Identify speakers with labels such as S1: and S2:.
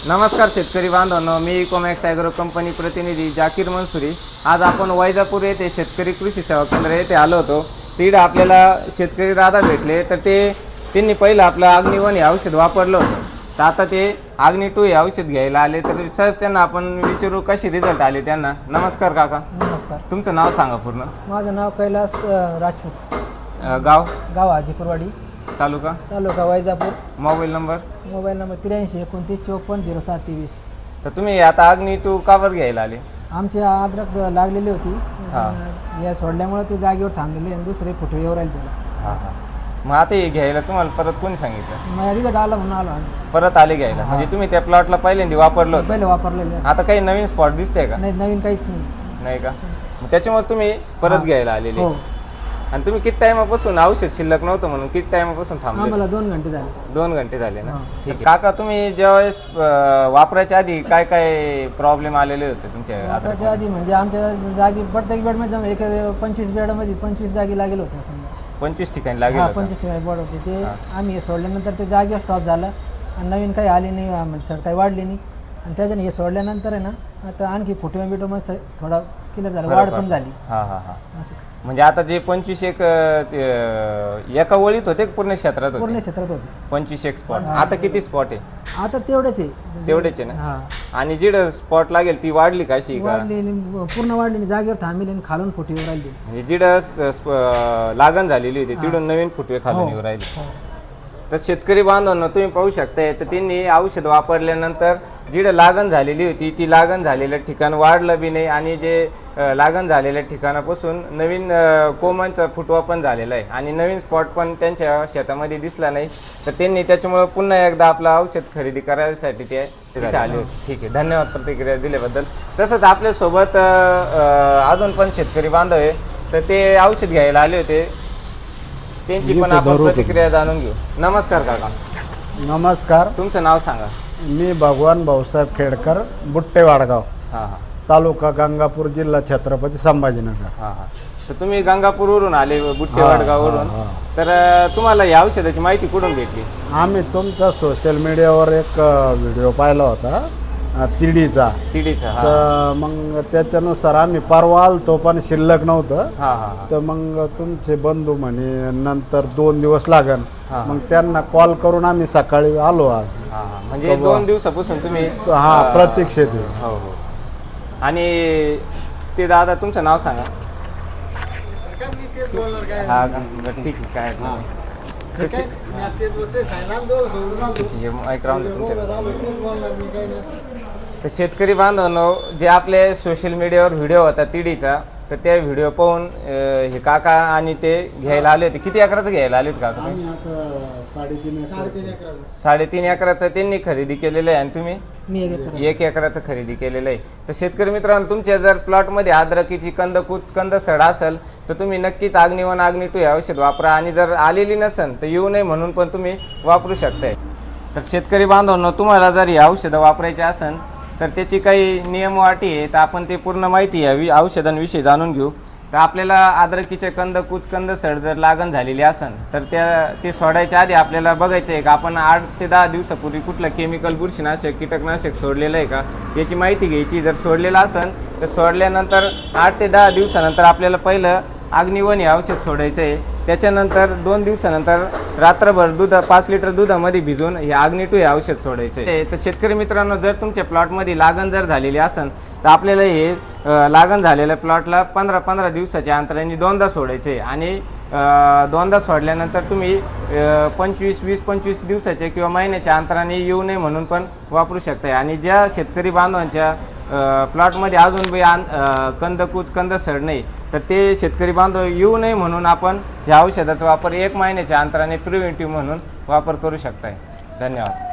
S1: नमस्कार शेतकरी बांधवांनो, मी इकोमॅक्स ॲग्रो कंपनी प्रतिनिधी जाकीर मंसुरी। आज आपण वैजापूर येथे शेतकरी कृषी सेवा केंद्र येथे आलो होतो। तिकडे आपल्याला शेतकरी दादा भेटले, तर त्यांनी पहिलं आपलं अग्निवन हे औषध वापरलं होतं। तर आता ते अग्नि 2 हे औषध घ्यायला आले, तर सहज त्यांना आपण विचारू कशी रिझल्ट आले त्यांना। नमस्कार काका।
S2: नमस्कार।
S1: तुमचं नाव सांगा पूर्ण।
S2: माझं नाव कैलास राजपूत। गाव हाजीपुरवाडी, तालुका वैजापूर।
S1: Mobile number
S2: 83 29 54 0723।
S1: तर तुम्ही आता अग्नि 2 कावर घ्यायला आले?
S2: आमची अद्रक लागलेली होती, या सोडल्यामुळे ते जागेवर थांबलेले आणि दुसरे फुटे येऊ राहिले त्याला।
S1: मग आता हे घ्यायला तुम्हाला परत कोणी सांगितलं?
S2: मग रिझल्ट आला म्हणून आलो
S1: परत आले घ्यायला। म्हणजे तुम्ही त्या प्लॉटला पहिल्यांदा वापरलं होतं?
S2: पहिले वापरलेले।
S1: आता काही नवीन स्पॉट दिसते का?
S2: नवीन काहीच नाही।
S1: नाही का? मग त्याच्यामुळे तुम्ही परत घ्यायला आलेले।
S2: हो।
S1: आणि तुम्ही किती टाइमापासून औषध शिल्लक नव्हतं म्हणून किती टाइमापासून थांबले?
S2: आम्हाला 2 घंटे झाले।
S1: 2 घंटे झाले ना? ठीक आहे काका, तुम्ही ज्यावेळेस वापरायच्या आधी काय काय प्रॉब्लेम आलेले होते तुमच्या?
S2: वापरायच्या आधी म्हणजे आमच्या जागी प्रत्येक बेडमध्ये एक 25 बेडमध्ये 25 जागी लागेल होत्या समजा।
S1: 25 ठिकाणी लागेल?
S2: 25 ठिकाणी बोर्ड होते। ते आम्ही हे सोडल्यानंतर ते जागेवर स्टॉप झालं आणि नवीन काही आली नाही, म्हणजे सर काही वाढली नाही। आणि त्याच्याने हे सोडल्यानंतर आहे ना, आता आणखी फुटवे बिटो मस्त थोडा क्लिअर झाला, वाढ पण झाली।
S1: असं म्हणजे आता जे 25 एका वळीत होते पूर्ण क्षेत्रात होते?
S2: पूर्ण क्षेत्रात होते
S1: 25 स्पॉट। आता किती स्पॉट आहे?
S2: आता तेवढेच आहे।
S1: तेवढेच आहे ना? आणि जिथं स्पॉट लागेल ती वाढली का? अशी
S2: वाढली पूर्ण वाढली नाही, जागेवर थांबली आणि खालून फुटवे राहिली।
S1: म्हणजे जिथं लागण झालेली होती तिथून नवीन फुटवे खालून येऊ राहिले। तर शेतकरी बांधवांना तुम्ही पाहू शकताय, तर त्यांनी औषध वापरल्यानंतर जिथं लागण झालेली होती ती लागण झालेलं ठिकाण वाढलं बी नाही, आणि जे लागण झालेल्या ठिकाणापासून नवीन कोमांचा फुटवा पण झालेला आहे आणि नवीन स्पॉट पण त्यांच्या शेतामध्ये दिसला नाही। तर त्यांनी त्याच्यामुळं पुन्हा एकदा आपलं औषध खरेदी करायसाठी ते आले होते। ठीक आहे, धन्यवाद प्रतिक्रिया दिल्याबद्दल। तसंच आपल्यासोबत अजून पण शेतकरी बांधव आहे, तर ते औषध घ्यायला आले होते, त्यांची पण आपण प्रतिक्रिया जाणून घेऊ। नमस्कार काका।
S3: नमस्कार।
S1: तुमचं नाव सांगा।
S3: मी भगवान भाऊसाहेब खेडकर, बुट्टे वाडगाव, तालुका गंगापूर, जिल्हा छत्रपती संभाजीनगर।
S1: तर तुम्ही गंगापूरवरून आले, बुट्टे वाडगाववरून। तर तुम्हाला या औषधाची माहिती कुठून भेटली?
S3: आम्ही तुमचा सोशल मीडियावर एक व्हिडिओ पाहिला होता तिडीचा। तर मग त्याच्यानुसार आम्ही परवा आलतो, पण शिल्लक नव्हतं। तर मग तुमचे बंधू म्हणे नंतर 2 दिवस लागन, मग त्यांना कॉल करून आम्ही सकाळी आलो आज।
S1: म्हणजे 2 दिवसापासून तुम्ही
S3: प्रतीक्षेत आहे?
S1: हो हो। आणि ते दादा तुमचं नाव सांगा। ठीक आहे, काय तर शेतकरी बांधवांनो, जे आपले सोशल मीडियावर व्हिडिओ होता तिडीचा, तर त्या व्हिडिओ पाहून हे काका आणि ते घ्यायला आले होते। किती एकराचं घ्यायला आले होते काका? 3.5 एकराचं त्यांनी खरेदी केलेलं आहे, आणि तुम्ही 1 एकराचं खरेदी केलेलं आहे। तर शेतकरी मित्रांनो, तुमच्या जर प्लॉटमध्ये अद्रकीची कंद सड असेल, तर तुम्ही नक्कीच अग्निवन अग्नि 2 हे औषध वापरा। आणि जर आलेली नसेल तर येऊ नये म्हणून पण तुम्ही वापरू शकताय। तर शेतकरी बांधवांनो, तुम्हाला जर ही औषधं वापरायची असेल तर त्याची काही नियम व अटी आहे, तर आपण ते पूर्ण माहिती या औषधांविषयी जाणून घेऊ। तर आपल्याला अद्रकीचे कंद सड जर लागण झालेली असेल, तर ते सोडायच्या आधी आपल्याला बघायचं आहे का आपण 8 ते 10 दिवसापूर्वी कुठलं केमिकल, बुरशीनाशक, कीटकनाशक सोडलेलं आहे का, याची माहिती घ्यायची। जर सोडलेलं असेल तर सोडल्यानंतर 8 ते 10 दिवसानंतर आपल्याला पहिलं अग्निवन हे औषध सोडायचं आहे। त्याच्यानंतर 2 दिवसानंतर रात्रभर 5 लिटर दुधामध्ये भिजून हे अग्नि 2 हे औषध सोडायचं आहे। तर शेतकरी मित्रांनो, जर तुमच्या प्लॉटमध्ये लागण जर झालेली असेल तर आपल्याला हे लागण झालेल्या प्लॉटला 15 दिवसाच्या अंतराने 2दा सोडायचं आहे। आणि 2दा सोडल्यानंतर तुम्ही 20-25 दिवसाच्या किंवा महिन्याच्या अंतराने येऊ नये म्हणून पण वापरू शकताय। आणि ज्या शेतकरी बांधवांच्या प्लॉटमध्ये अजून कंद सड नाही, तर ते शेतकरी बांधव येऊ नये म्हणून आपण ह्या औषधाचा वापर 1 महिन्याच्या अंतराने प्रिव्हेंटिव्ह म्हणून वापर करू शकताय। धन्यवाद।